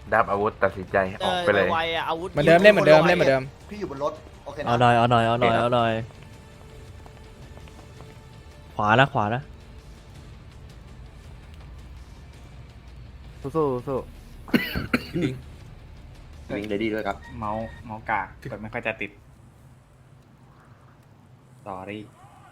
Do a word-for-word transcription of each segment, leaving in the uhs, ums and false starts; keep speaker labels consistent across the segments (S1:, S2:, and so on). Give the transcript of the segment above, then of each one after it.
S1: ดับอาวุธตัดสินใจออกไปเลย
S2: ไวๆอ่ะอาวุธ
S3: เหมือนเดิมเล่นเหมือนเดิมเล่นเหมือนเดิม
S4: พี่อยู่บนรถโอเคนะ
S5: เอาหน่อยเอาหน่อยเอาหน่อยเอาหน่อยขวานะขวานะ
S6: สู้สู้สู้
S7: วิ่งเลยดีด้วยครับ
S8: เมาส์เมาส์กากกดไม่ค่อยจะติดสอรี่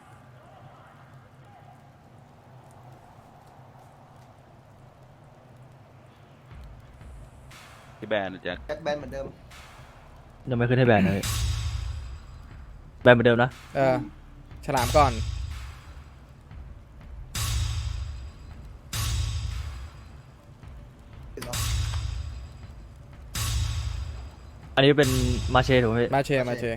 S9: ที่แบนนะแจ็ค
S4: แจ็คแบนเหมือนเดิม
S5: ยังไม่ขึ้นให้แบนเลยแบนเหมือนเดิมนะ
S3: เออฉลามก่อน
S5: อันนี้เป็นมาเชถูกไหมพี่
S3: มาเชมาเช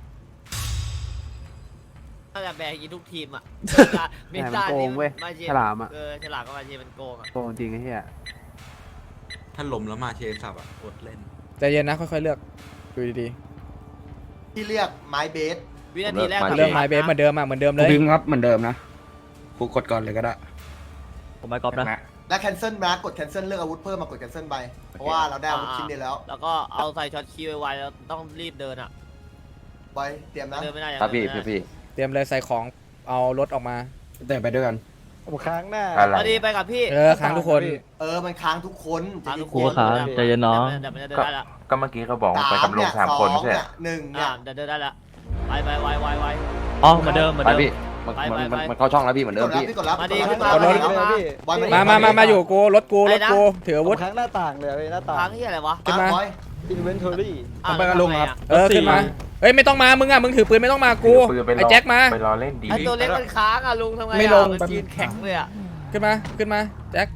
S2: น่าจะแบกยิงทุกทีมอ่ะ
S6: แหมมันโกงเว้ยฉลามอ่ะ
S2: เออฉลามก็มาเชียมันโกงอ่ะ
S6: โกงจริงไอ้เหี้ย
S7: ถ้าล้มแล้วมาเชนสับอ่ะอดเล่น
S3: ใจเย็นนะค่อยๆเลือกดูดี
S4: ที่เรียกไม้เบส
S2: วินาทีแรก
S3: ๆเรื่องไม้เบสเหมือนเดิมอ่ะเหมือนเดิมเลย
S10: ดึงครับเหมือนเดิมนะกูกดก่อนเลยก็ได้
S5: ผมไม่ก๊อปนะ
S4: และแคนเซิลนะกดแคนเซิลเลือกอาวุธเพิ่มมากดแคนเซิลไปเพราะว่าเราได้อาวุธชิ้นเดียวแล้ว
S2: แล้วก็เอาใส่ช็อตคีย์ไวๆแล้วต้องรีบเดินอ่ะ
S4: ไว้เตรียมนะ
S2: เดินไม่ได้
S7: ครับพี่พี่พี่
S3: เตรียมเลยใส่ของเอารถออกมา
S10: แต่ไปด้วยกัน
S6: ผมค้างหน้า
S1: อะไร
S2: พอดีไปกับพี่
S3: เออค้างทุกคน
S4: เออมันค้างทุกคน
S2: ทางทุก
S5: กู
S2: คน
S5: ก็ค้างใจเย็นน้อง
S2: เดี๋ยวมันจะเดินได้ละ
S1: ก็เมื่อกี้เขาบอกว่าไป
S4: สาม
S1: กับลุ
S4: เนี่
S1: ง
S4: ย
S1: สาม
S4: สอ
S1: คน
S4: ง
S1: ไม่ใช่
S4: เนี่ยหนึ่งเนี่
S2: อ่าย เดี๋ยวเดินได้ละไปไปไวไวไว
S5: อ๋อเหมือนเดิมเหมือน
S7: ไป
S5: เดิม
S7: พี่มัน
S2: ไป
S7: มัน
S2: ไป
S7: มัน
S2: ไป
S7: มันเข้าช่องแล้วพี่เหมือน
S4: ก
S7: เดิม
S4: ดแล้ว
S7: พี่
S4: พี่กดแล้ว
S2: มาดี
S4: ก
S2: ขึ้
S4: ด
S2: นมา
S4: แล้ว
S2: มา
S4: กดแล้ว
S2: มา
S4: บอย
S3: มามามามาอยู่กูรถกูรถกูถืออาวุธ
S6: ค้างหน้าต่างเลยหน้าต่าง
S2: ทางที่อะไรวะ
S3: ขึ้นมา
S4: บอย
S6: อินเวนทอรี่
S2: อ่ะ
S10: ไปกับลุงครับ
S3: เออขึ้นมาเอ้ยไม่ต้องมามึงอ่ะมึงถือปืนไม่ต้องมากู
S1: ถือปืนไปร
S3: ไอ้แจ็คมา
S1: ไปรอเล่นดี
S2: ไอตัวเล็กมันค้างอ่ะลุงทำไงอ่ะ
S3: ไม่ลง
S2: มันยืนแข็งเลยอ่ะ
S3: ขึ้นมาขึ้นมาแจ็ค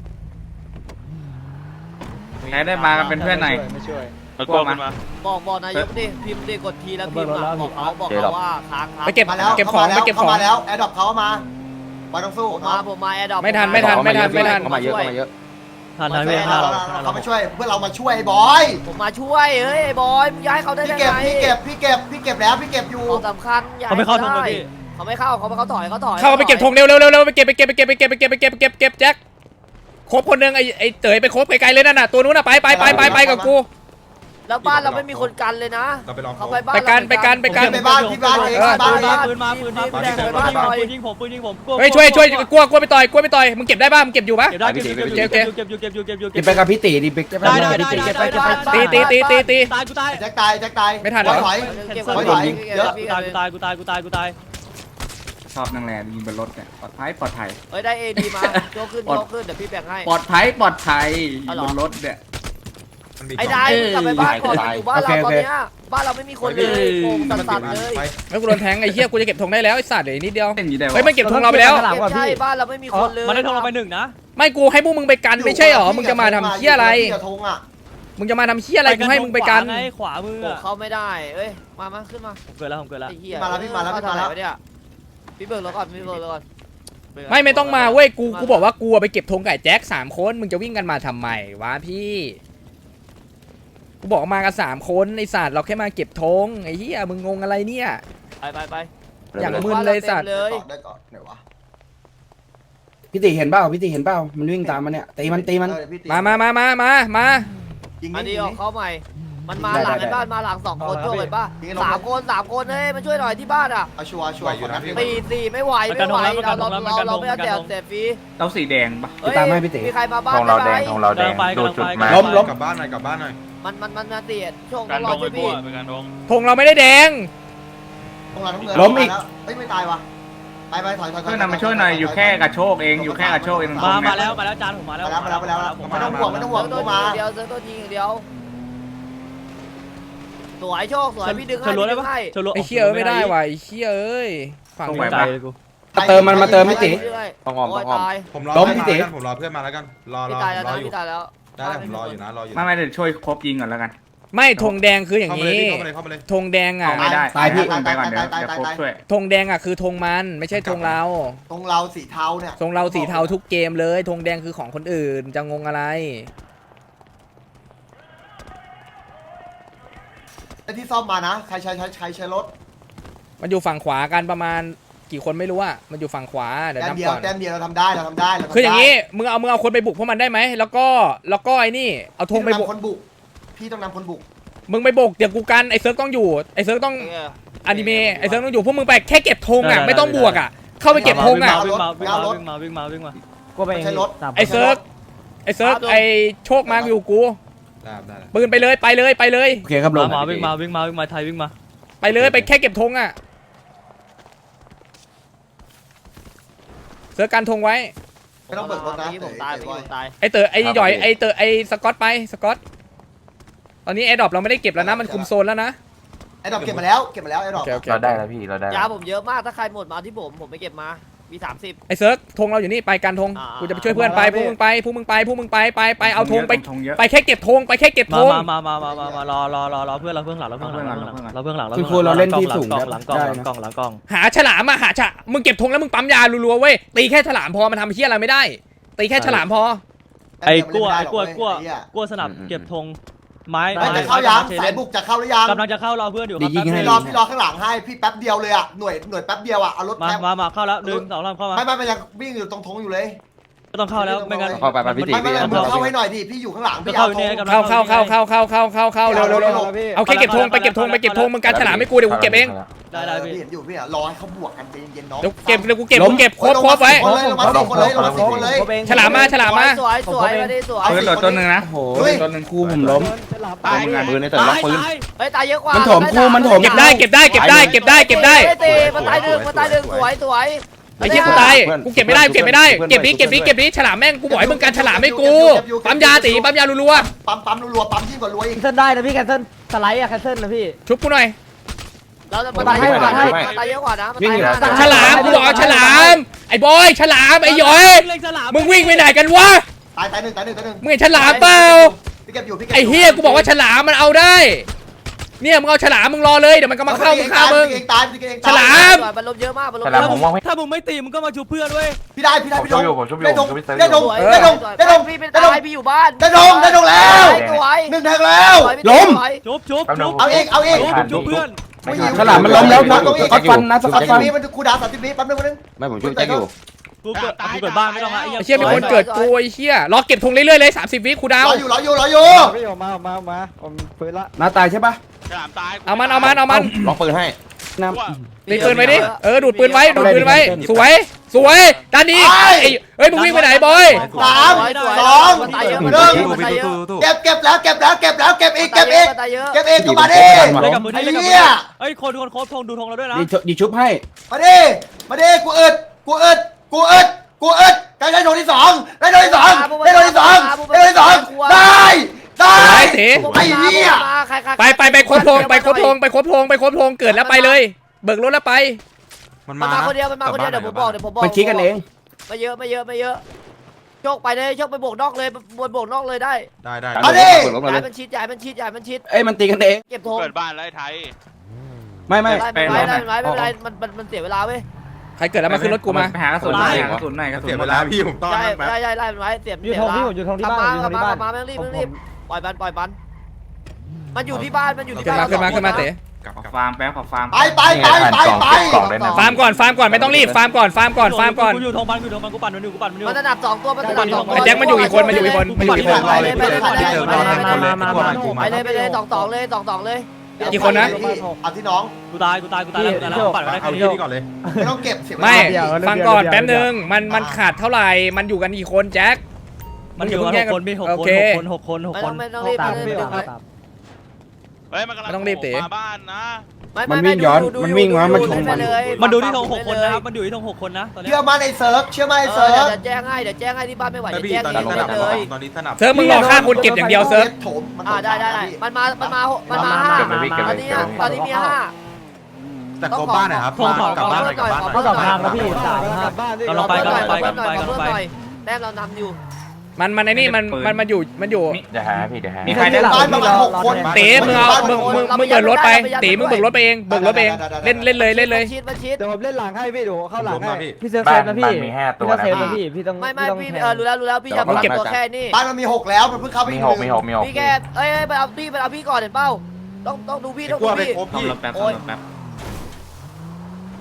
S8: ใครได้มากันเป็นเพื่อนหน่อย
S6: ไม่ช่วย
S9: มันกลัวขึ้นมา
S2: บอกบอกนายกดิพิมพ์ดิกดทีแล้วพิมพ์อ่ะบอกเขาบอกเขาว่าค้างค้าง
S3: ไปเก็บ
S4: มาแล้ว
S3: เก็บของ
S4: ข้ามา
S3: ไปเก็บของ
S4: ข้ามาแล้วแอร์ดรอปเขามาบอยต้องสู้
S2: ผมมาผมมาแอร์ดรอป
S3: ไม่ทันไม่ทันไม่ทันไม่ทัน
S7: เข้ามาเยอะเข้ามาเยอะ
S5: ทันทัน
S4: ไม่
S5: พี่
S4: ทั
S5: ทั
S4: น
S5: น
S4: เขามาช่วยเพื่อเรามาช่วยบอย
S2: ผมมาช่วยเฮ้ยไอ้บอยมึงย้ายเขาได้
S4: พี่
S2: ยัง
S4: เก็บ
S2: ไง
S4: พี่เก็บพี่เก็บพี่เก็บแล้วพี่เก็บอยู่
S2: ของสำคัญย้าย
S5: เขาไม่เข้าทงเลยพี่
S2: เขาไม่เข้าเขาไม่เขาถอยเขาถอย
S3: เข้าไปเก็บธงเร็วเร็วเร็วเร็วไปเก็บไปเก็บไปเก็บไปเก็บไปเก็บไปเก็บไปเก็บเก็บแจ็คครบคนหนึงไอ้ไอ้เต๋ยไปครบไกลๆเลยนั่นน่ะตัวนู้นน่ะไปไปไปไปไปกับกู
S2: แล้วบ้านเราไม่มีคนกันเลยนะเขาไปบ้าน
S3: ไปกันไปกันไปกัน
S4: ไปบ้านพี่บ้านเองบ้านเอง
S5: ปืนมาปืนมาปืนยิงผมปืนยิงผมปืนยิงผมกลัว
S3: เฮ้ยช่วยช่วยกลัวกลัวไปต่อยกลัวไปต่อยมึงเก็บได้ป่ะมึงเก็บอยู่ป่ะ
S5: เก็บได้เก็บอยู่เก็บอยู่เก็บอยู่เก็บอยู่เก็บอยู่เก็บอยู่เก็บอยู่
S10: กินไปกับพี่ตีดิบิ๊ก
S5: ได้ได้ได้ได้ได้ได้
S3: ตีตีตีตีตี
S5: ตายกูตาย
S4: แจ็คตายแจ็คตาย
S3: ไม่ทันเหรอ
S4: ถอย
S2: เก็บ
S4: ถ
S2: ไว้
S4: อย
S2: ก่
S4: ถ
S2: อน
S4: อยเยอะ
S5: กูตายกูตายกูตายกูตายกูตาย
S8: ชอบนั่งแลยิงบนรถเนี่ยปลอดภัยปลอดภัย
S2: เฮ้ยได้เอดีมาโจขึ้นโจขึ้นเดี๋ยวพี่แบ่งให้
S8: ปลอดภัยปลอดภัย
S2: เอาเหร
S8: บ
S2: อ
S8: นรถเนี่ย
S2: ไอ้ได้กลับไปบ้านก่อนอยู่บ้านเราตอนเนี้ยบ้านเราไม่มีคนเลยโป่งสั่นๆเลย
S3: แล้วกูโดนแทงไอ้เหี้ยกูจะเก็บธงได้แล้วไอ้สัตว์เดี๋ยวอีกนิดเดียว
S8: เล่นอยู่ได้วะ
S3: เฮ้ยมันเก็บธงเราไปแล้ว
S2: เก็บใช่บ้านเราไม่มีคนเลย
S5: มันได้ทงเราไปหนึ่งนะ
S3: ไม่กูให้พวกมึงไปกันไม่ใช่หรอมึงจะมาทำเหี้ยอะไร
S4: พี่กับธงอ่ะ
S3: มึงจะมาทำเหี้ยอะไรกูให้มึงไปกัน
S5: ไงขวามือ
S2: โป่งเขาไม่ได้เอ้ยมามาขึ้นมา
S5: ผมเกิดแล้วผมเกิดแล้ว
S2: ไอ้เหี้ย
S4: มาแล้วพี่มาแล้วพี่มาแล้ว
S2: เอเท่ไหร่เนี่ยพี่เบิร์ดแล้วก่อนพี่เบิร์ดแล้วก่อน
S3: ไม่ไม่ต้องมาเว้ยกูกูบอกว่ากูไปเก็บธงไก่แจ็คสามคนมึงจะวิ่งกันมาทำไมวะพี่กูบอกมากันสามคนไอ้สัตว์เราแค่มาเก็บธงไอ้เหี้ยมึงงงอะไรเนี่ย
S2: ไปไปไป
S3: อย่างมึนเลยสัตว์
S2: เลย
S4: ได้ก่อนไหนวะ
S10: พี่ตีเห็นเปล่าพี่ตีเห็นเปล่ามันวิ่งตามมันเนี่ยตีมันตีมัน
S4: เออพี่ตี
S3: มามามามามามา
S4: ยิง
S2: อัน
S4: นี่
S2: นี้
S4: ยิง
S2: ออก
S4: นี่
S2: เขาใหม่ มันมาหลังไอ้บ้านมาหลังสองคนช่วยกันป่ะสามคนสามคนเฮ้ยมาช่วยหน่อยที่บ้านอ่ะ
S4: เอาชัวร์ชัวร์ก่อนนะพี่
S2: สี่สี่ไม่ไหวไม่ไหวเราเราเราเราไม่เอาแต่เสียฟรี
S8: เราสีแดงปะ
S2: เฮ้ย
S10: ตามให้พี่ตี
S2: มีใครมาบ้าน
S1: ธงเราแดง
S2: ไหม
S1: ธงเราแดงดูจุดมา
S10: ล้มล้ม
S7: กลับบ้านหน่อยกลับบ้านหน่อย
S2: มันมันมันมาเสียช่วง
S9: การ
S2: ร
S9: ด
S2: อง ช่
S9: ไอ้
S2: วย
S9: พว
S2: พี่
S9: กเป็นการดง
S3: ธงเราไม่ได้แดง
S4: ตรงหลังน้ำเงิน
S10: ล้มอีก
S4: เฮ้ยไม่ตายวะไปไปถอยถอยถอย
S8: เพื่อนนำมาช่วยหน่อยอยู่แค่กระโชกเองอยู่แค่กระโชกเอง
S5: มามาแล้วมาแล้วจานผมมาแล้ว
S4: มาแล้วมาแล้วมาแล้วไม่ต้องห่วงไม่ต้องห่วง
S2: เซิร์ฟตัว
S4: มา
S2: ยิงเดียวเซิร์ฟตัวยิงเดียวสวยโชคสวยพี่ดึง
S5: เช
S2: ให้
S5: ลล์ได้
S2: พี่ดึ
S5: ปะ
S2: งให้
S5: เชลล์
S3: ไอ้เหี้ยเอ้ยไม่ได้ว่ะไอ้เหี้ยเอ้ยฝั่ง
S8: ตรง
S3: นี้
S8: ไหน
S5: ใจ
S8: ปะ
S5: เลยกู
S10: มาเติมมันมาเติมพี่ตี
S7: ต้องอ้อมต้องอ้อม
S4: ผมรอ
S10: ล้มพี่ตี
S7: ผมรอเพื่อนมาแล้วกันรอร
S2: พี่
S7: อ
S2: ตายแล้ว
S7: รอ
S2: นะ
S7: อยู่
S2: พี่ตายแล้ว
S7: ได้ผมรออยู่นะรออยู่
S8: ไม่ไม่เดี๋ยวช่วยครบยิงก่อนแล้วกัน
S3: ไม่ธงแดงคืออย่าง
S7: เข้ามาเลย
S3: นี้
S7: เข้ามาเลยเข้ามาเลย
S3: ธงแดงอ่ะ
S8: เอาไม่ได้
S10: ตายพี่
S8: ไปก่อนเดี๋ยวเดี๋ยวครบช่วย
S3: ธงแดงอ่ะคือธงมันไม่ใช่ธงเรา
S4: ตรงเราสีเทาเนี่ย
S3: ธงเราสีเทาทุกเกมเลยธงแดงคือของคนอื่นจะงงอะไร
S4: ไอ้ที่ซ่อมมานะใครใช้ใช้ใช้ใช้รถ
S3: มันอยู่ฝั่งขวากันประมาณกี่คนไม่รู้อะมันอยู่ฝั่งขวาเดี๋ยว
S4: แต้ม
S3: นับ
S4: เดียว
S3: ก่อน
S4: แต้มเดียวเราทำได้เราทำได้เราทำได้
S3: คืออย่างนี้มึงเอามึงเอาคนไปบุกพวกมันได้ไหมแล้วก็แล้วก็ไอ้นี่เอาธงไป
S4: พี่
S3: บุ
S4: ต้อก งนำคนบุกพี่ต้องนำคนบุก
S3: มึงไปบุกเดี๋ยวกูกันไอ้เซิร์ฟต้องอยู่ไอ้เซิร์ฟต้อง
S2: เออ
S3: อนิเมะไอ้เซิร์ฟต้องอยู่พวกมึงไปแค่เก็บธงอะไม่ต้องบวกอะเข้าไปเก็บธงอะ
S2: วิ่งมาวิ่งมาวิ่งมาวิ่งมาวิ่งมา
S6: ก็ไป
S4: ไม่ใช่รถ
S3: ไอ้เซิร์ฟไอ้เซิร์ฟไอ้โชคมาอยู่กูปืนไปเลยไปเลยไปเลย
S10: โอเคครับลง
S2: มาวิ่งมาวิ่งมาวิ่งมาไทยวิ่งมา
S3: ไปเลยไปแค่เก็บธงอะเซิร์ฟการธงไว้
S4: ไม่ต้องเบิกรถนะ
S2: ผมตายผมตาย
S3: ไอ้เต๋อไอ้หย่อยไอ้เต๋อไอ้สกอตไปสกอตตอนนี้แอร์ดรอปเราไม่ได้เก็บแล้วนะมันคุมโซนแล้วนะ
S4: ไอ้ดอกเก็บมาแล้วเก็บมาแล้วไอ้ดอก
S3: โอเคโอเค
S1: เราได้แล้วพี่เราได้
S2: ยาผมเยอะมากถ้าใครหมดมาที่ผมผมไปเก็บมามีสามสิบ
S3: ไอ้เซิร์ฟธงเราอยู่นี่ไปการธง
S2: อ่า
S3: กูจะไปช่วยเพื่อนไปพวกมึงไปพวกมึงไปพวกมึงไปไปไปเอาธงไป
S8: ธงเยอะ
S3: ไปแค่เก็บธงไปแค่เก็บธ
S2: มาง มามามามามารอรอรอรอเพื่อนเราเพื่อนหลังเราเพื่อนหลังเราเพื่อนหลังเรา
S10: คือครูเราเล่นที่สูง
S2: หลังหลังกล้อง
S10: ได้
S2: หลัง
S10: นะ
S2: กล้องหลังกล้อง
S3: หาฉลามอะหาฉะมึงเก็บธงแล้วมึงปั๊มยารัวๆเว้ยตีแค่ฉลามพอมันทำเฮี้ยอะไรไม่ได้ตีแค่ฉลามพอ
S2: ไอ้กลัวไอ้กลัวกลัวกลัวสนับเก็บธงไม้
S4: ไม่จะเข้ายังสายบุกจะเข้าหรือยัง
S2: กำลังจะเข้ารอเพื่อนอยู่ครับ
S4: พี่รอพี่รอข้างหลังให้พี่แป๊บเดียวเลยอ่ะหน่วยหน่วยแป๊บเดียวอ่ะเอารถ
S2: มา
S4: แป๊บ
S2: มามาเข้าแล้วหนึ่งสองสามเข้ามา
S4: ไม่ไม่ไม่ยังวิ่งอยู่ตรงธงอยู่เลย
S2: ก็ต้องเข้าแล้วไม่งั้น
S7: เข้าไปไปพี่ตี
S4: ไม่ไม่
S7: พี่
S4: ไม่
S7: เอา
S4: มึง
S7: เข้า
S4: เข้าให้หน่อยดิพี่อยู่ข้างหลังพี่
S2: เข้า
S4: เอา
S2: อยู่
S4: ธ
S2: ใน
S4: ง
S2: กำลัง
S3: เข้าเข้าเข้าเข้าเข้าเข้าเข้าเข้าเร็วเร็วเร็วเอาแค่เก็บธงไปเก็บธงไปเก็บธงมึงการฉลามไม่กูเดี๋ยวกูเก็บเอง
S2: ได้ได้พี่
S4: พี่เห็นอยู่พี่อ่ะรอให้เขาบวกกันใจเย็นๆน้อง
S3: เดี๋ยวเก็บเดี๋ยวกูเก็บกูเก็บครบครบไว้
S4: คนเลยลงมาสี่คนเลยลงมาสี่คนเลย
S3: ฉลามมาฉลามมา
S2: สวยสวยมาดิสวย
S8: ปืนโหลดตัวหนึ่งนะ
S10: โอ้โหตัวหนึ่งครูผมล้ม
S7: ตายปืนในแต่ล็อกปืน
S2: เฮ้ยตายเยอะกว่า
S10: มันถมกูมันถม
S3: เก็บได้เก็บได้เก็บได้เก็บได้เก็บได้
S2: ตีมันตายหนึ่งมันตายหนึ่งสวยสวย
S3: ไอ้เหี้ยกูตายกูเก็บไม่ได้กูเก็บไม่ได้เก็บนี้เก็บนี้เก็บนี้ฉลามแม่งกูบอกให้มึงการฉลามให้กูปั๊มยาตีปั๊มยารัว
S4: ปั๊มปั๊มรัวๆปั๊มยิ่งกว่ารัวอีก
S6: แคนเซิลได้นะพี่แคนเซิลสไลด์อะแคนเซิลนะพี่
S3: ๆชุบกูหน่อย
S2: เราจะมันตายเยอะกว่านะมันตายเยอะกว่านะมันตายห้านะ
S3: ฉลามกูบอกเอาฉลามไอ้บอยฉลามไอ้หยอยมึงวิ่งไปไหนกันวะ
S4: ตายตายหนึ่งตายหนึ่งตายหนึ่ง
S3: มึงเห็นฉลามเปล่า
S4: พี่เก็บอยู่พี่เก็บ
S3: ไอ้เฮียกูบอกว่าฉลามมันเอาได้ เนี่ยมึงเอาฉลามมึงรอเลยเดี๋ยวมันก็มาเข้ามึงฆ่ามึง
S4: พี่เองตายพี่เองตาย
S3: ฉลาม
S2: มันลบเยอะมากมันลบ
S1: ฉลามผมว่างไม่
S2: ถ้ามึงไม่ตีมึงก็มาชูเพื่อนเว้ย
S4: พี่ได้พี่ได้
S1: ผม
S4: พี่
S1: ช่
S4: ด
S1: วย
S4: ง
S1: อยู่ผมช่วยอยู่
S4: ได้ด
S1: ผ
S4: ง
S1: มช่วยพี่เซิร์ฟ
S4: ได้ดง
S1: อยู่
S4: ได้ดงได้ดง
S2: พี่เป็น
S4: ได้ด
S2: ตาง ยพี่อยู่บ้าน
S4: ได้ดงได้ดงแล้ว
S2: สวย
S4: หนึ่งแทงแล้ว
S10: ล้ม
S2: ชุบชุบชุบ
S4: เอาเองเอาเอง
S2: ชุบเพื่อน
S10: ฉลามมันล้มแล้วนะสกอตฟันนะสกอตฟัน
S4: สามสิบวิมันคูดาวสามสิบวิแป๊บนึงแป๊บนึง
S7: ไม่ผมช่วยแจ็คอยู่
S2: กูเกิดกูเกิดบ้านไม่ต้องละ
S3: ไอ้เชี่ยมีคนเกิดกูไอ้เชี่ยรอเก็บธงเรื่อยๆเลยสามสิบวิคูดาว
S4: รออยู่รออยู่รออยู่
S6: พี่ออกมาออกมาออกมาผมปืนละ
S10: น้าตายใช่ปะ
S3: เอามันเอามันเอามัน
S7: ล็อกปืนให้
S10: น้
S3: ตีปืนไว้ดิเออดูดปืนไว้ดูดปืนไว้สวยสวยด้านนี้ไอ้เฮ้ยมึงวิ่งไปไหนบอย
S4: สามสอง
S2: มันตายเยอะ
S4: ห
S2: มัน
S4: นึ่
S2: ตาย
S4: ง
S2: เยอะมันตายเยอะ
S4: เก็บเก็บแล้วเก็บแล้วเก็บแล้วเก็บอีก
S2: เก็
S4: เก็
S2: บบ
S4: อีก
S2: ตายเยอะ
S4: เก็บอีกก็มาดิ
S2: เล่นกับมือ
S4: ไอ้
S2: เล่นกับมื
S4: เหี้ย
S2: เฮ้ยคนคนโคบธงดูธงเราด้วยนะ
S10: ำดีชุบดีชุบให้
S4: มาดิมาดิกูอึดกูอึดกูอึดกูอึดได้ได้โดนที่สองได้โดนที่สองได้โดนที่สองได้โดนที่สองได้ได้
S3: สวยเต๋
S4: ไอ้เหี้ย
S3: ไปไปไปครบธงไปครบธงไปครบธงไปครบธงเกิดแล้วไปเลย เบิกรถแล้วไป
S2: มันมาคนเดียวมันมาคนเดียวเดี๋ยวผมบอกเดี๋ยวผมบอก
S10: มันคิดกันเอง
S2: ไม่เยอะไม่เยอะไม่เยอะโชคไปเลยโชคไปโบกนอกเลยบนโบกนอกเลยได้
S7: ได้ได้
S4: มาดิ
S7: ปืนล้มมา
S2: ย้า
S7: เลย ย
S2: มันชิดย้ายมันชิดย้ายมันชิด
S10: เอ้ยมันตีกันเอง
S2: เก็บธง
S9: เปิดบ้านแล้วไอ้ไทย
S10: ไม่ไม่
S2: ไม่เป็นไรไม่เป็นไรไม่เป็นไรมันมันมันเสียเวลาเว้ย
S3: ใครเกิดแล้วมาขึ้นรถกูมา
S8: ไปหากระสุนหน่อยหากระสุนหน่อยกระสุน
S7: เสีย
S8: หม
S7: เว
S8: ด
S7: ลา
S8: แล้ว
S7: พี่ผมต้อน
S2: ได้
S7: แป๊บ
S2: ได้ได้ได้มันไว้เสีย
S6: อยู่
S2: เสีย
S6: ท
S2: เว
S6: ง
S2: ลา
S6: พี่ผมอยู่ทงที่บ้านอยู่
S2: ก
S6: ท
S2: ลั
S6: ง
S2: บ
S6: ที่
S2: มา
S6: บ้าน
S2: กลับมาไม่ต้องรีบ
S6: ผ
S2: ไม่
S6: ม
S2: ต้องรีบปล่อยมันปล่อยมันมันอยู่ที่บ้านมันอยู่ที่
S3: ขึ้น
S2: บ้าน
S3: มาขึ้นมาขึ้นมาเต๋
S8: ขอฟาร์มแป๊บขอฟาร์ม
S4: ไปไปไปไปไป
S3: ฟาร์มก่อนฟาร์มก่อนไม่ต้องรีบฟาร์มก่อนฟาร์มก่อนฟาร์มก่อน
S2: กูอยู่ทงมันกูอยู่ทงมันกูปั่นมันอยู่กูปั่นมันอยู่มันจะดับสองตัวมันจะดับสองตัว
S3: ไอ้แจ็คมันอยู่อีกคนมันอยู่อีกคนมันอยู่อีกคน
S2: ไปเลยไปเลยไปเลยไปเลยไปเลยไปเลยสองสองเลยสองสองเลย
S3: กี่คนนะ
S4: เอาที่น้อง
S2: กูตายกูตายกูตายแล้วกูตายแล้วปั่นไปได้
S7: เอา
S2: แค่
S7: ที่
S2: นี้
S7: นี่ก่อนเลย
S4: ไม่ต้องเก็บเสียเวลา
S3: ไม่ฟังก่อนแป๊บนึงมันมันขาดเท่าไหร่มันอยู่กันกี่คนแจ็ค
S2: มันอยู่กันหกคนพี่หก
S3: โอ
S2: คน
S3: เค
S2: หกคนหกคนหกคนไม่ต้องรีบ
S6: ตาม
S2: ไม่
S6: พี่อ
S2: ต้
S6: อ
S2: อก ง
S6: มา
S2: รีบ
S6: ตาม
S9: เฮ้ยมันกำลัง
S3: ไม่ต้องรีบเต๋
S9: มาบ้านนะ
S10: มันวิ่งย้อนมันวิ่งมามันชน
S2: ไปเลย
S3: มันดูที่ธงหกคนนะครับมันอยู่ที่ธงหกคนนะตอนนี้
S4: เชื่อมั่นไอ้เซิร์ฟเชื่อมั่นไอ้
S2: เอ
S4: เซิ
S2: อ
S4: ร์ฟ
S2: เดี๋ยวแจ้งให้เดี๋ยวแจ้งให้ที่บ้านไม่ไหว
S7: แต่
S2: เดี๋ยว
S7: พี่
S2: แจ้ง
S7: ตอน
S2: เอง
S7: นี้สนับ
S2: เลย
S7: ตอนนี้สนับ
S3: เซิร์ฟมึงรอฆ่าคนเก็บอย่างเดียวเซิร์ฟ
S4: โถมมัน
S2: อ่าได้ได้ได้มันมามันมามันมาห้า
S1: เก็บไว้พี่เก็บ
S2: ต
S1: ไว้
S2: อนนี้
S1: เก็บไว้
S2: ตอนนี้มีห้า
S7: แต่กบบ้านนะครับกลับบ้านหน่อยกลับบ้านหน่อย
S6: ก็กลับทางแล้วพี่สามห้า
S2: กำลังไปกำลังไปกำลังไปกำลังไปแต้มเรานำอยู่
S3: มันมันไอ้นี่มันมันมันอยู่มันอยู่
S1: เดี๋ยวหาพี่เดี๋ยวหา
S8: มีใครได้หลัง
S4: บ้านประมาณหกคน
S3: เต๋มึงเอามึงมึงมึงเบิกรถไปเต๋มึงเบิกรถไปเองเบิกรถไปเองเล่นเล่นเลยเล่นเลย
S2: ชิดมันชิด
S6: เดี๋ยวผมเล่นหลังให้พี่เดี๋ยวผมเข้าหลังให้
S7: พี่
S6: พี่เซฟ
S1: บ้า
S6: เซ
S1: น
S6: ฟนะ
S1: บ้า
S6: พี่
S1: นมีห้าตั
S6: พี่
S1: ว
S6: ต้อง
S1: นะ
S6: เซฟนะพี่พี่ต้อง
S2: ไม่ไม่
S6: ต้อง
S2: พี่
S6: แท
S2: เออรู้แล้วรู้แล้วพี่อย่ามาตัวแค่นี้
S4: บ้านมันมีหกแล้วมันเพิ่งเข้าไป
S1: มี
S4: อีก
S1: ห
S4: ห
S1: กมี
S4: นึ่ง
S1: หกมีหก
S2: พี่แกเอ้ยไปเอาพี่ไปเอาพี่ก่อนเห็นเป้าต้องต้องดูพี่ต้อง
S7: กลั
S2: ดู
S7: วไป
S2: พี่
S7: ครบพี่
S8: ทำรถแป๊บ
S2: โอ้ย
S8: ทำรถแป๊บ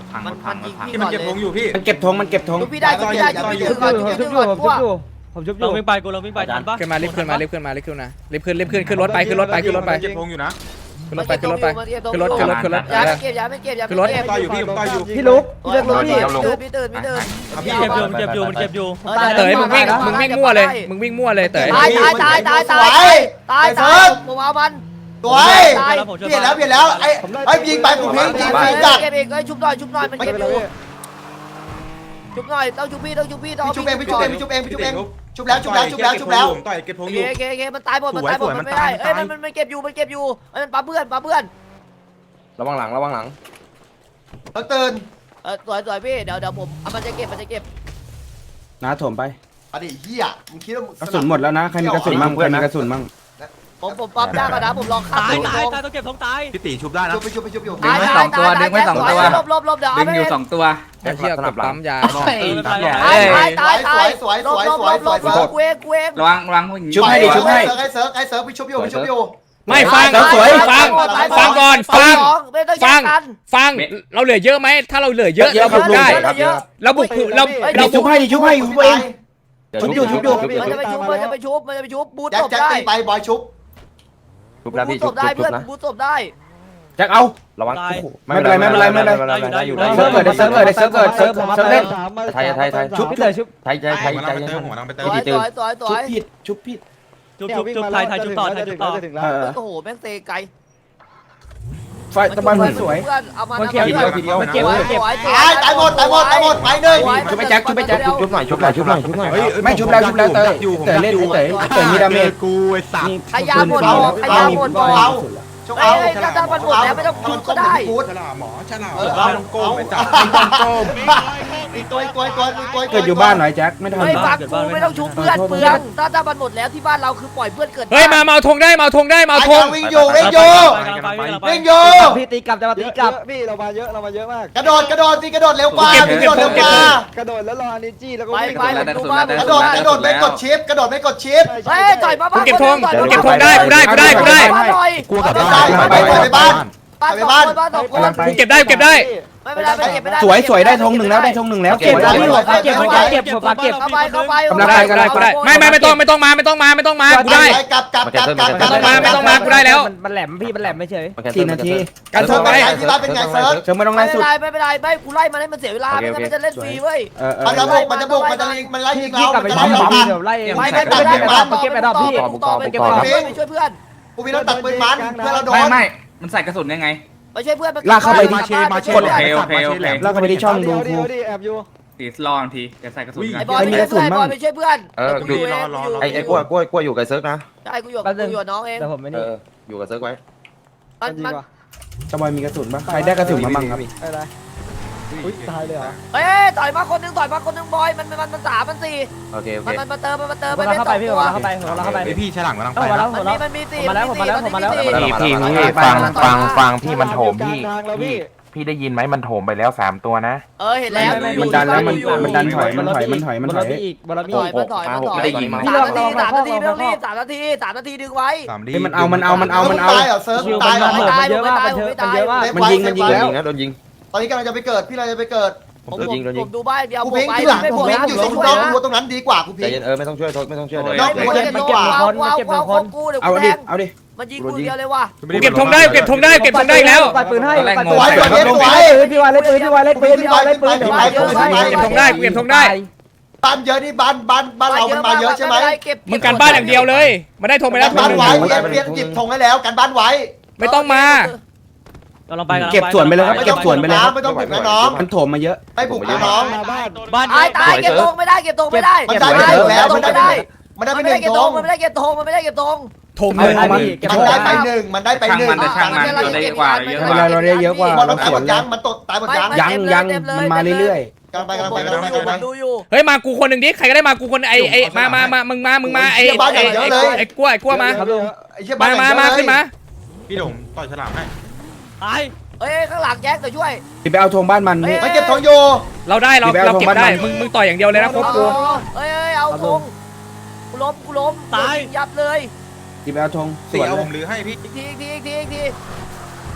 S8: พัง
S2: มัน
S8: พั
S2: มั
S8: ง
S2: นยิง
S8: พัง
S2: พี่
S8: ที่
S2: ก่
S8: มั
S2: อน น
S8: เก็บ
S2: เล
S8: ธง
S2: ย
S8: อยู่พี่
S10: มันเก็บธงมันเก็บธง
S2: ชุบพี่ได้ชุบพี่ได้ชุบพี่ก่อนชุบ
S6: ชุ
S2: พี่
S6: บ
S2: ก่
S6: อ
S2: อน
S6: ยู่
S2: ชุบ
S6: ผมชุบ
S2: พี่
S6: อ
S2: ก่อน
S6: ยู่ผมชุบอยู่
S1: เราวิ่งไปกูเราวิ่งไปทันปะ
S3: ขึ้นมารีบขึ้นมารีบขึ้นมารีบขึ้นนะรีบขึ้นรีบขึ้นขึ้นรถไปขึ้นรถไปขึ้นรถไปขึ้นรถไป
S8: เก็บธงอยู่นะ
S3: ขึ้นรถไปขึ้นรถไปขึ้นรถขึ้นรถขึ้นรถ
S2: อย่าไม่เก็บอย่าไม่เก็บอย่าไม่เก็บ
S8: ต่อยอยู่พี่ต่อยอยู่
S6: พี่ลุกพี่เลิกลุกพี่
S2: ตื่นพี่ตื่นพี่ตื่น
S9: เก็บอยู่มันเก็บอยู่มันเก็บอยู่
S3: เต๋ยมึงวิ่งมึงวิ่งมั่วเลยมึงวิ่งมั่วเลยเต๋ย
S2: ตายตายตายตายตายตายตายผมเอามัน
S4: สวยเปลี่ยนแล้วเปลี่ยนแล้วไอ้ไอ้ยิงไปกูพิงยิงไปจัด
S2: เก็บเองเอ้ยชุบหน่อยชุบหน่อยมันเก็บอยู่ชุบหน่อยต้องชุบพี่ต้องชุบพี่ต้อง
S4: พี่ชุบเองพี่ชุบเองพี่ชุบเองพี่ชุบเองชุบแล้วชุบแล้วชุบแล้วชุบแล้ว
S8: ต่อยเก็บธ
S2: โอง
S8: อ
S2: เค
S8: ยู่
S2: โอเคโอเคมันตายหมดมันตายหมดมันไม่ได้เอ้ยมันมันมันเก็บอยู่มันเก็บอยู่มันปั๊มเพื่อนปั๊มเพื่อน
S7: ระวังหลังระวังหลัง
S4: ต้องตื่น
S2: เออสวยสวยพี่เดี๋ยวเดี๋ยวผมมันจะเก็บมันจะเก็บ
S10: นะถมไป
S4: อดีเหี้ยมึงคิดว่าก
S10: ระสุนหมดแล้วนะใครมีกระสุนมั่งใครมีกระสุนมั่ง
S2: ผมผมปั๊มได้ก่อนนะผมลองข้าม
S9: ตาย
S2: ไป
S9: ตายตายต้องเก็บทงตาย
S8: พี่ตีชุบได้นะ
S4: ชุบไปชุบไปชุบอยู่
S2: ตายตายตายตายลบลบลบเดี๋ยวเอาไป
S3: ไอ้เหี้ยกดปั๊มยา
S2: ตายตายตายตายลบลบลบลบลบกูเองกูเอง
S8: ระวังระวัง
S10: ชุบให้ดิชุบให้
S4: ไอ้เซิร์ฟไอ้เซิร์ฟพี่ชุบอยู่พี่ชุบอยู่
S3: ไม่ฟัง
S10: สวย
S3: ฟังฟังก่อนฟัง
S2: ไม่ต้องแย
S3: ฟั
S2: ก
S3: ง
S2: กัน
S3: ฟังเราเหลือเยอะไหมถ้าเราเหลือเยอะ
S10: เยอะ
S3: เราบุกได้
S2: เยอะ
S3: เราบุกเรา
S10: ดิ
S3: เรา
S10: ชุ
S3: บุ
S10: บ
S3: ก
S10: ให้ดิชุบให้อยู่เอง ชุบอยู่ชุบอยู่
S2: มันจะไปชุบมันจะไปชุบมันจะไปชุบบูท
S4: แจ็ค
S2: ตบ
S4: แจ็ค
S2: ได้
S4: ตีไปบอยชุบ
S7: ชุบแล้ว
S2: บู
S7: พี่
S2: ทต
S7: ชุ
S2: บบ ได้
S7: ชุ
S2: เพื่อบ น
S7: นะ
S2: บูทตบได้
S10: แจ็คเอา
S7: ระวัง
S10: ไม่เป็นไรไม่เป็นไรไม่เป็นไร
S7: ได้อยู่ได้อยู่
S10: เซิร์ฟเกิดเซิร์ฟเกิดเซิร์ฟเกิดเซิร์ฟเซิร์ฟเล่น
S6: ชุบพี่เลยชุบ
S7: ไทยไทยไทย
S8: หัว
S7: ไท
S8: นาง
S7: ย
S8: ไปเติมหัวนางไปเติ
S2: ส
S8: ม
S2: วยสวยสวยส
S10: ชุ
S2: ว
S10: บ
S2: ย
S10: ผิดชุบผิด
S9: จุบจุบจุบไทยไทยจุบต่อไทยจุบต่อ
S10: เออ
S2: โอ้โหแม่งเซไกล
S10: ไฟตะบันสวย
S2: เพื่อนเอามา
S8: เก็บเดียวเดียว
S6: เก็บเก็บ
S4: ตายตายหมดตายหมดตายหมดไปหนึ่ง
S10: ชุบไปแจ็คชุบไปแจ็ค
S7: ชุบหน่อยชุบหน่อยชุบหน่อยชุบหน่อย
S10: ไม่ชุบแล้วชุบแล้วเตยเตยเล่นเตยเตยมีดาเมจ
S8: กูไอ้สัตว์
S2: ขยาหมดบอกขยาหมดบอก
S4: เอาชุบ
S2: เอ้
S4: เอา
S2: ยถ้าถ้ามันหมดแล้วไม่ต้องพูดก็ได้
S8: ฉลาดหมอฉลาด
S4: เออ
S8: เรา
S4: เอา
S8: ต้องโกงไปจับ
S4: อีกตัวอีกตัวอีกตัวอีกตัว
S10: เกิดอยู่บ้านหน่อยแจ็คไม่ทัน
S2: ไม่ฟังกูไม่ต้องชุบเพื่อนเปลืองถ้าถ้ามันหมดแล้วที่บ้านเราคือปล่อยเพื่อนเกิด
S3: เฮ้ยมาเมาธงได้เมาธงได้เมาธง
S4: วิ่งอยู่วิ่งอยู่ วิ่งอยู่
S6: พี่ตีกลับจะมาตีกลับพี่เรามาเยอะเรามาเยอะมาก
S4: กระโดดกระโดดสิกระโดดเร็วกว่ากระโดดเร็วกว่าก
S6: ระโดดแล้วรออันนี้จี้แล้วก็
S2: ไป
S6: วิ่ง
S2: ไปดูบ้าน
S4: กระโดดกระโดดไม่กดชิปกระโดดไม่กดชิป
S2: เฮ้ยต่อยมาบ้าน
S3: กูเก็บธงกูเก็บธงได้กูได้กูได้กูได้
S4: กลัวกับบ้านไปไปไปบ้าน
S2: บ้านสองคนบ้านสองคน
S3: กูเก็บได้กูเก็บได้
S2: ไม่เป็นไรไม่เก็บไม่ได้
S10: สวยสวยได้ธงหนึ่งแล้วได้ธงหนึ่งแล้ว
S6: เก็บแล้วพี่ผมเก็บผมเก็บผมเก็บ
S2: เข้าไปเข้าไป
S3: กูได้กูได้กูได้ไม่ไม่ไม่ต้องไม่ต้องมาไม่ต้องมาไม่ต้องมากูได้
S4: กลับกลับกลับกลับ
S3: ไม่ต้องมาไม่ต้องมากูได้แล้ว
S6: มันแหลมพี่มันแหลมไม่เฉย
S10: สี่นาที
S3: การธงไป
S4: ที่บ้านเป็นไงเซิร์ฟ
S10: เชิงไม่ต้อง
S2: ไม่
S10: ไล่
S2: เป็
S10: สุ
S2: น
S10: ด
S2: ไรไม่เป็นไรไม่กูไล่มันให้มันเสียเวลาไม่งั้นมันจะเล่นฟรีเว้ย
S10: เออเอ
S4: มันจะ
S10: อ
S4: บุกมันจะบุกมันจะยิงมันไล่ยิง
S6: พี่
S4: เรา
S6: กลับไป
S4: จะ
S6: ปั๊
S4: ไล่
S6: ม
S4: เรา
S6: ปั๊ม
S4: บ้าน
S6: เดี๋ยวไล่
S2: ไม่ไม่ไม่ได้ไม่เก็บไปดอกพี่ต่อไปเก็บไปดอกไปช่วยเพื่อน
S4: กูมีรถตัดปืนมันเพื่อเราโดน
S8: ไม่ไม่มันใส่กระสุนยังไง
S2: ไปช่วยเพื่อน
S10: ลากเข้าไปดิ
S8: มาเชมาเช
S10: กด
S8: โอเคโอเคโอเค
S10: แล้วก็ไปที่ช่องดู
S6: เดี๋
S10: กู
S6: ยวดิแอบอยู่
S8: ตีสลองทีเดี๋ยวใส่กระสุน
S2: ไอ้บอลไปช่วยเพื่อนบอลไปช่วยเพื่อน
S7: เออดูไอ้ไอ้กล้วยกล้วยกล้วยอยู่กับเซิร์ฟนะ
S2: ใช่กูอยู่กูอยู่น้องเอง
S6: แต่ผมไม่
S7: เอ
S6: นี่
S7: ออยู่กับเซิร์ฟไว้
S2: มันมัน
S10: ตะบอยมีกระสุนปะใครได้กระสุนมาบ้างครับ
S6: อะไรอุ้ยตายเลยเหรอ
S2: เอ้ยต่อยมาคนนึงต่อยมาคนนึงบอยมันมันมันสามมันสี่
S7: โอเคโอเค
S2: มันมันมาเติมมันมาเติม
S6: ผม
S2: มัน
S6: เข้า
S2: ไม่
S6: ไป
S2: ต
S6: พี่
S2: ก
S6: ผม
S2: ตัว
S6: เข้าไปผมเข้าไป
S8: ไอพี่ฉลามกำลังไป
S6: เข้ามาแล้ว
S2: มันมีมันมีสี่
S6: มาแล้วมาแล้วมาแล้ว
S1: พี่พี่พี่ฟังฟังฟังพี่มันโถมพี่พี่พี่ได้ยินไหมมันโถมไปแล้วสามตัวนะ
S2: เออเห็นแล้ว
S10: มันดันแล้วมันมันดันถอยมันถอยมันถอยมันถอย
S6: อีกบอลมี
S2: ถอย
S6: อีก
S2: มันถอยมันถอย
S7: ไม่ได้ยิง
S2: สามนาทีสามนาทีไม่ต้องรีบสามนาทีสามนาทีดึงไว้
S8: สามดี
S10: เฮ้ยมันเอามันเอามันเอามันเอา
S4: ตายเหรอเซิร์ฟ
S6: คิว
S4: ตายเหรอ
S6: มันเยอะมากมันเยอะมันเยอะมาก
S10: มันยิงมันยิง
S7: โดน
S10: แล้ว
S7: ยิงนะโดนยิง
S4: ตอนนี้กำลังจะไปเกิดพี่เราจะไปเกิด
S2: ผมผมดูบ้านเดียว
S4: กู
S2: ผม
S4: พิง
S2: ไป
S4: ที่หลัง
S2: ไม่
S4: กู
S2: ผม
S4: พิง
S2: นะ
S4: อยู่
S2: ผ
S4: ตร
S2: ม
S4: ง
S2: ช่วย
S4: น้อง
S2: นะ
S4: กูตรงนั้นดีกว่ากู
S7: ใจ
S4: พิง
S7: เย็นเออไม่ต้องช่วยโทษไม่ต้องช่วยเลย
S4: น้องกู
S2: มัน
S4: จะ
S2: เก็บ
S4: เป็น
S2: ตัว
S4: ตัว
S2: ว้าวว้าวว้าวของกูเดี๋ยว
S10: เอา
S2: กูแท
S10: ดิ
S2: ง
S10: เอาดิ
S2: มันยิงกูเดียวเลยว่ะ
S3: กูเก็บธงได้กูเก็บธงได้กูเก็บธงได้อีกแล้ว
S6: ปัดปืนให้ปัด
S4: ส
S6: ปืน
S4: วย
S6: ให้
S4: สวยสวย
S6: พี่วายเล่นปืนพี่วายเล่นปืนพี่วายเล่นปืนพี่วายเล่นปืน
S3: เก็บธงได้กูเก็บธงได้
S4: บ้านเยอะนี่บ้านบ้านบ้านเรามันมาเยอะใช่ไหม
S3: มึงกันบ้านอย่างเดียวเลยมาได้ธงไปแล้วธง
S4: บ้าน
S3: หนึ่ง
S4: ไว้เปลี่ยนเปลี่ยนหยิบธงให้แล้วกันบ้านไว้
S3: ไม่ต้องมา
S9: กำลังไป
S10: เก็บส่วนไปเลยครับ
S4: ไม่
S10: เก็
S4: ต้อบ ง
S10: ส่วนไปเลยครับ
S4: ไม่ต้องบุกนะน้อง
S10: มันโถมมาเยอะ
S4: ไม่บุกนะน้อง
S6: มาบ้าน
S9: บ้าน
S2: ตายตายเก็บธงไม่ได้เก็บธงไม่ได้
S4: มันได้ไปหนึ่งแล้วมันได้ มันได้
S2: มัน
S4: ไปห
S2: ไม่
S4: นึ่
S2: ได้
S4: ง
S2: เก็บ
S4: ธ
S2: ธง
S4: ง
S2: มันไม่ได้เก็บธงมันไม่ได้เก็บธง
S3: ธงหนึ่ง
S10: เอามัน
S4: มันได้ไปหนึ่งมันได้ไปหนึ่ง
S8: ช่างมันช่างมันเราได้กว่าเยอะกว่า
S10: เราได้เยอะกว่า
S4: บอลมันตายหมดยังมันตกตายหมดยัง
S10: ยังยังมันมาเรื่อย
S4: กำลังไปกำลังไปกำ
S2: ดู
S4: ลังไป
S2: อยู่
S4: กำลังไป
S2: ดูอยู่
S3: เฮ้ยมากูคนหนึ่งดิใครก็ได้มากูคนไอไอมามามามึงมามึงมาไอไอไอกั้วไอกั้วมา
S4: ไอ้เชี่ย
S3: มามามาขึ้นมา
S8: พี่หลงต่อยฉลามให้
S9: ตาย
S2: เอ้ยข้างหลังแจ็คจะช่วย
S10: ๆพี่ไปเอาธงบ้านมันนี่
S4: มันเก็บทองโย
S3: เราได้เราเราเก็บได้มึงมึงต่อยอย่างเดียวเลยนะครบกู
S2: เอ้ยเอาธงกูล้มกูล้มยับเลย
S10: พี่ไปเอาธงส
S8: ตี
S10: วน
S8: เอา
S10: เล
S8: ผ
S10: ย
S8: มหรือให้พี่
S2: อีกทีอีกทีอีกทีอีกที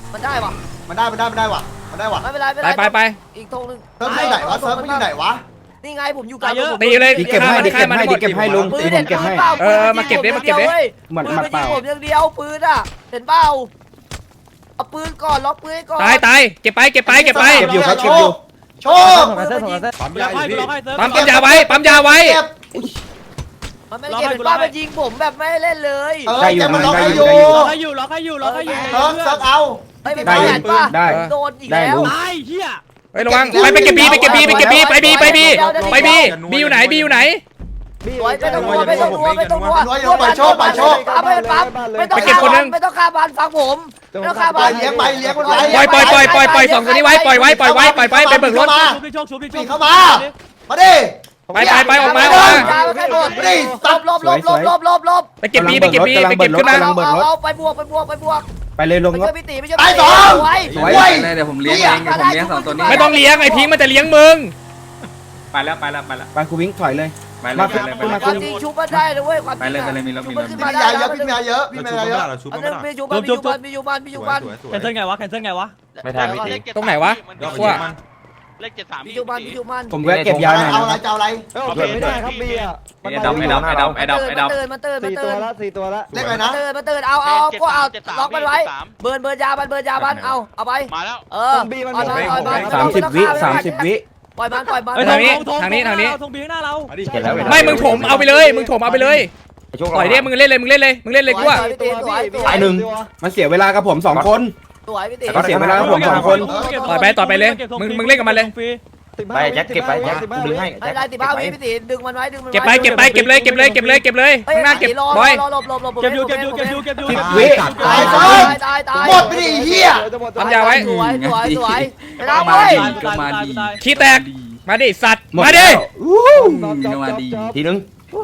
S2: มันได้ปะ
S4: มันได้มันได้มันได้ว่ะมันได้ว่ะ
S2: ไม่เป็นไรไม่
S3: ไป
S2: เป็นไร
S3: ไปไป
S2: อีกธงหนึง
S4: เซิร์ฟอยู่ไหนวะเซิร์ฟมันอยู่ไหนวะ
S2: นี่ไงผมอยู่กลาง
S3: ตีเลย
S10: ดิเก็บให้ดิเก็บให้ดิเก็บให้ลุง
S2: ปื
S10: ดิ
S2: น
S10: ผ
S2: เด็
S10: ม
S2: ด
S10: เก็บให้
S2: เออ
S3: มาเก็บดิมาเก็บดิ
S10: หมัดหมัดเปล่า
S2: ผมอย่างเดียวปืนอ่ะเห็นเปล่าเอาปืนก่อนล็อกปืนให้ก่อน
S3: ตายตายเก็บไปเก็บไปเก็บไป
S10: เก็บอยู่ครับเก็บอยู่
S4: โชว์
S6: ถงกันเส้นถงกันเส้น
S8: ปั๊ม
S9: ล็
S8: ยา
S9: อก
S8: อยู่
S9: ให้
S8: พี่
S9: ล็อกให้เซิร์ฟ
S3: ปั๊มปั๊มยาไว้ปั๊มยาไว้
S4: เก็บ
S2: มันไม่ได้เก็บเป็นป้ามันยิงผมแบบไม่ให้เล่นเลย
S4: เออ
S10: ได้อยู่
S4: แกมัน
S10: ได้
S4: ล็อกให้
S10: อ
S4: อยู่ ยู่
S9: ล็อกให้อยู่ล็อกให้อยู่ล็อกให้อยู่
S4: เซิร์ฟเซิร์ฟเอา
S2: ไม่เป็น
S10: ได้
S2: ป้า
S10: อยู่
S2: เห็นป่ะ
S10: ได้
S2: โดนอีก
S10: ได้
S2: แล้ว
S10: ลุง
S9: ตายเฮีย
S3: ไประวังไปไปเก็บบีไปเก็บบีไปเก็บบีไปบีไปบีไปบีบีอยู่ไหนบีอยู่ไหน
S2: สวยไม่ต้องกลัวไม่ต้องกลัวไม่ต้องกลัว
S4: น้อยอยู่ปล่อยโชคปล่อยโชค
S2: เอาไปปั๊บไม่ต้อง
S3: ไปเก็บคนนึง
S2: ไม่ต้องฆ่าบ้านฟังผมไม่ต้องฆ่า
S4: ไป
S2: บ้าน
S4: เลี้ยงไปเลี้ยงมันไป
S3: ปล่อยปล่อยปล่อยปล่อยปล่อยสองตัวนี้ไว้ปล่อยไว้ปล่อยไว้ปล่อยไว้ไปเบิกรถ
S4: มา
S9: ชุบดิโชคชุบดิโช
S4: ปี
S9: ค
S4: เข้ามามาดิ
S3: ไปไปไปออกมาอ
S2: ล
S3: อกมา
S2: บให้หมดลบลบลบลบลบลบลบ
S3: ไปเก็บบีไปเก็บบีไปเก็บขึ้นมา
S2: เอาเอาเอาไปบวกไปบวกไปบวก
S10: ไปเลยลง
S2: ไป
S10: ครั
S2: ช่ว
S10: บ
S2: ยพี่ตีไปช่วย
S4: ตาย
S2: พี่
S4: ส
S2: ตี
S4: อง
S2: ไว้
S4: สวย
S8: เดี๋ยวผมเลี้ยงเองเดี๋ยวผมเลี้ยงสองตัวนี้
S3: ไม่ต้องเลี้ยงไอ้พิงค์มันจะเลี้ยงมึง
S8: ไปแล้วไปแล้วไปแล้ว
S10: ไปครูวิ่งถอยเลย
S8: ไปเลยไปเลยไปเลย
S2: ความจริงชุบมาได้เลยเว้ยความจ
S8: ไป
S2: ริง
S8: เลยไปเลยมีรถมีรถ
S2: ขึ้น
S4: พี่
S2: มา
S4: มี
S2: ได้
S4: ยาเยอะพี่มียาเยอะพี่มียาเยอะ
S2: อันนึงมีชุบมันมีชุบมันมีชุบมันมีชุบมันมีชุบมัน
S9: แคนเซิลไงวะแคนเซิลไงวะ
S1: ไม่ทันพี่ตี
S3: ตรงไหนวะ
S1: ว่า
S11: เลขเจ็ดสาม
S2: มีชุบมันมีชุบมัน
S10: ผมแวะเก็บยาหน่อย
S4: เอาอะไรจะเอาอะไร
S6: เอ้ยโอเคไม่ได้ครับบีอ่ะ
S8: ไอ้ดำไอ้ดำไอ้ดำไอ้ดำไอ้ดำ
S2: ตื่นมาตื่นมา
S6: สี่
S2: ตื่
S6: ตัวน ละสี่ตัวละ
S4: เลขอะไรนะ
S2: ตื่นมาตื่นเอาเอาก็เอาล็อกมันไว้เบิร์นเบิร์นยามันเบิร์นยามันเอาเอาไป
S11: มาแล้ว
S2: เออปล่อยมันปล่อยมัน
S10: สามสิบวิสามสิบวิ
S2: ปล่อยมันปล่อยมัน
S3: เฮ้ยทางนี้ทางนี้ทางนี้
S9: ทงบีข้างหน้าเรา
S1: เห็นแล้วเห็นแล้ว
S3: ไม่มึงถมเอาไปเลยมึงถมเอาไปเลยปล่อยดิมึงเล่นเลยมึงเล่นเลยมึงเล่นเลยกูว่า
S6: ตัวพี่
S10: ตายหนึ่งมันเสียเวลากับผมสองคน
S2: สวยพี่ตี
S10: ก็เสียเวลากับผมสองคน
S3: ต่อยไปต่อยไปเลยมึงมึงเล่นกับมันเลย
S1: ไปแจ็คเก็บไปแจ็คกูดึงให้
S2: ไอ้ได้ติบ้าวิพี่ตีดึงมันไว้ดึงมัน
S3: เก็บไปเก็บไปเก็บเลยเก็บเลยเก็บเลยเก็บเลยข้างหน้าเก็บบอย
S2: รอหลบหลบหลบ
S9: เก็บอยู่เก็บอยู่เก็บอยู่เก็บอยู่
S10: สิบวิ
S2: ตายตายตายตาย
S4: หมดไปดิเฮีย
S3: ทำยาไว้
S2: สวยสวยสวยเรา
S8: มา
S2: เว้ย
S8: ดีก็มาดี
S3: ขี้แตกมาดิสัตว์
S10: หมด
S3: มาดิ
S10: แล้ว
S8: ก็มาดี
S10: ทีนึง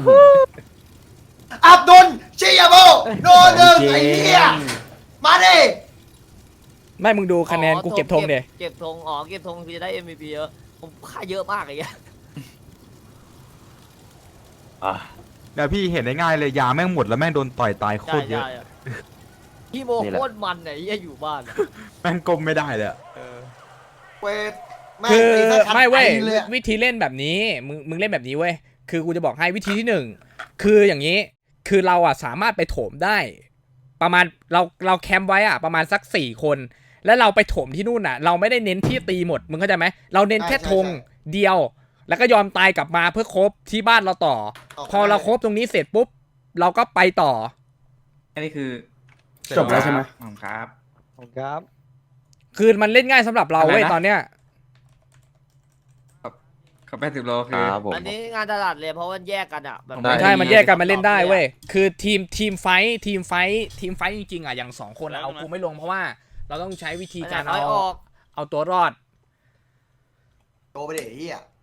S4: อับดุลชิยาโบโนหนึ่งไอ้เฮียมาดิ
S3: ไม่มึงดูคะแนนกูเก็บธงเดย
S2: เก็บธงอ๋อเก็บธงพี่จะได้ เอ็ม วี พี เยอะผมค่าเยอะมากไอ้เงี้ย
S12: เนี่ยพี่เห็นได้ง่ายเลยยาแม่งหมดแล้วแม่งโดนต่อยตายโคตรเยอะ
S2: พี่โมโคตรมันไหนเหี้ยอยู่บ้าน
S12: แม่งก้มไม่ได้เลยอะ
S4: เวทแม่ง
S3: คือ
S4: ตีซะชัด
S3: ไม่เว้ย
S4: ปลอะ
S3: วิธีเล่นแบบนี้มึงมึงเล่นแบบนี้เว้ยคือกูจะบอกให้วิธีที่หนึ่งคืออย่างนี้คือเราอ่ะสามารถไปโถมได้ ประมาณเราเราแคมป์ไว้อ่ะประมาณสักสี่คน แล้วเราไปโถมที่นู่นอ่ะ เราไม่ได้เน้นที่ตีหมดมึงเข้าใจไหมเราเน้นแค่ธงเดียว แล้วก็ยอมตายกลับมาเพื่อครบที่บ้านเราต่อ พอเราครบตรงนี้เสร็จปุ๊บเราก็ไปต่อ
S8: อันนี้คือ
S10: จบแล้วใช่ไหม
S8: ครับ
S6: ผมครับ
S3: คือมันเล่นง่ายสำหรับเราเว้ย
S8: อะไรนะ
S3: ตอนเนี้ย
S8: ขับแปดสิบโลคือ
S1: ครับผม
S2: อันนี้งานตลาดเลยเพราะมันแยกกันอ่ะแบบ
S1: ได้
S3: ใช่มันแยกกันมันเล่นได้เว้ยคือทีมทีมไฟท์ทีมไฟท์ทีมไฟท์จริงๆอ่ะอย่างสองคนอะเอากูไม่ลงเพราะว่า เราต้องใช้วิธีการ
S2: น้
S3: เอา
S2: อยออก
S3: เอาตัวรอด
S4: โตไปดิเฮีย